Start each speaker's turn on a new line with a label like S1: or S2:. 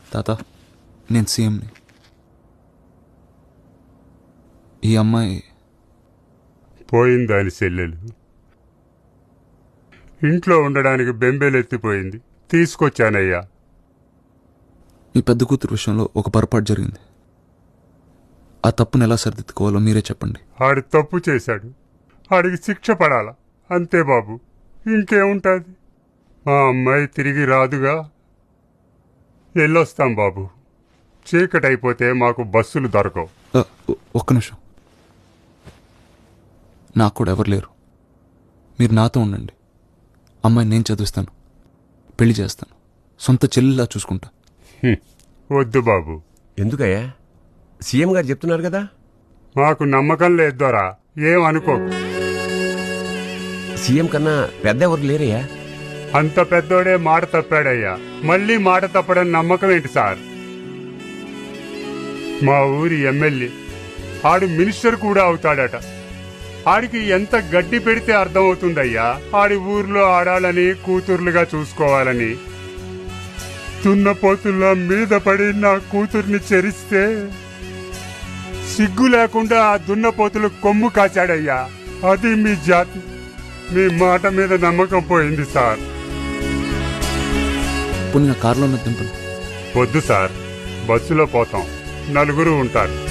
S1: తాత, నేను సీఎంని. ఈ అమ్మాయి
S2: పోయిందాని చెల్లెలు ఇంట్లో ఉండడానికి బెంబేలెత్తిపోయింది. తీసుకొచ్చానయ్యా.
S1: మీ పెద్ద కూతురు విషయంలో ఒక పొరపాటు జరిగింది. ఆ తప్పును ఎలా సరిదిద్దుకోవాలో మీరే చెప్పండి.
S2: ఆడు తప్పు చేశాడు, ఆడికి శిక్ష పడాలా, అంతే బాబు. ఇంకేముంటుంది? మా అమ్మాయి తిరిగి రాదుగా. వెళ్ళొస్తాం బాబు. చీకటైపోతే మాకు బస్సులు దొరకవు.
S1: ఒక్క నిమిషం. నాకు కూడా ఎవరు లేరు. మీరు నాతో ఉండండి. అమ్మాయిని నేను చదివిస్తాను, పెళ్లి చేస్తాను, సొంత చెల్లిలా చూసుకుంటా.
S2: వద్దు బాబు.
S3: ఎందుకయ్యా? సీఎం గారు చెప్తున్నారు కదా.
S2: మాకు నమ్మకం లేదు దొరా. ఏం అనుకోకు.
S3: సీఎం కన్నా పెద్ద ఎవరు లేరయ్యా.
S2: అంత పెద్దోడే మాట తప్పాడయ్యా. మళ్ళీ మాట తప్పడం నమ్మకం ఏంటి సార్? మా ఊరి ఎమ్మెల్యే ఆడు మినిస్టర్ కూడా అవుతాడట. ఆడికి ఎంత గడ్డి పెడితే అర్థమవుతుందయ్యా ఆడి ఊర్లో ఆడాలని, కూతుర్లుగా చూసుకోవాలని. దున్నపోతుల్లా మీద పడి నా కూతుర్ని చెరిస్తే సిగ్గు లేకుండా ఆ దున్నపోతులు కొమ్ము కాచాడయ్యా. అది మీ జాతి. మీ మాట మీద నమ్మకం పోయింది సార్.
S1: పుణ్య కారులో దింపండి.
S2: వద్దు సార్, బస్సులో పోతాం. నలుగురు ఉంటారు.